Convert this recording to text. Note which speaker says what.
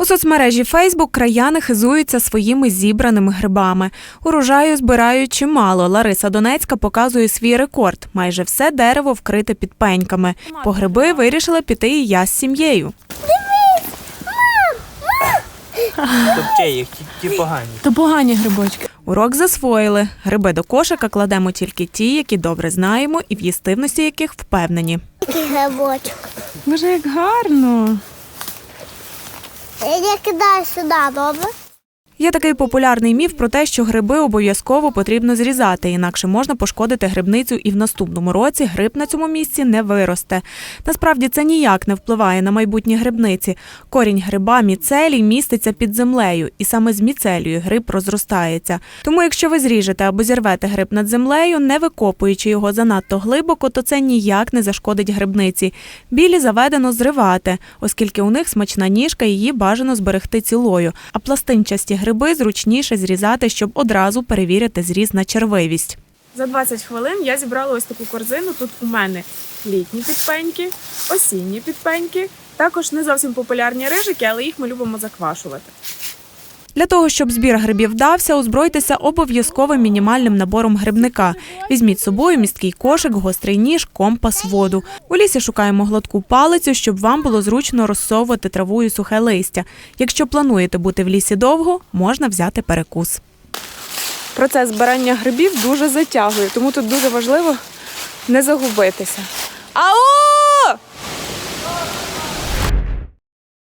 Speaker 1: У соцмережі Фейсбук краяни хизуються своїми зібраними грибами. Урожаю збирають чимало. Лариса Донецька показує свій рекорд. Майже все дерево вкрите підпеньками. По гриби вирішила піти і я з сім'єю.
Speaker 2: Тобто їх, ті погані.
Speaker 3: То погані грибочки.
Speaker 1: Урок засвоїли. Гриби до кошика кладемо тільки ті, які добре знаємо і в їстивності яких впевнені.
Speaker 4: Грибочок.
Speaker 3: Боже, як гарно.
Speaker 4: Я кидаю сюди, добре?
Speaker 1: Є такий популярний міф про те, що гриби обов'язково потрібно зрізати, інакше можна пошкодити грибницю і в наступному році гриб на цьому місці не виросте. Насправді це ніяк не впливає на майбутні грибниці. Корінь гриба міцелій міститься під землею, і саме з міцелію гриб розростається. Тому якщо ви зріжете або зірвете гриб над землею, не викопуючи його занадто глибоко, то це ніяк не зашкодить грибниці. Білі заведено зривати, оскільки у них смачна ніжка, її бажано зберегти цілою, а пластинчасті гриби зручніше зрізати, щоб одразу перевірити зріз на червивість.
Speaker 3: За 20 хвилин я зібрала ось таку корзину. Тут у мене літні підпеньки, осінні підпеньки, також не зовсім популярні рижики, але їх ми любимо заквашувати.
Speaker 1: Для того, щоб збір грибів вдався, озбройтеся обов'язковим мінімальним набором грибника. Візьміть з собою місткий кошик, гострий ніж, компас, воду. У лісі шукаємо гладку палицю, щоб вам було зручно розсовувати траву і сухе листя. Якщо плануєте бути в лісі довго, можна взяти перекус.
Speaker 3: Процес збирання грибів дуже затягує, тому тут дуже важливо не загубитися. Ау!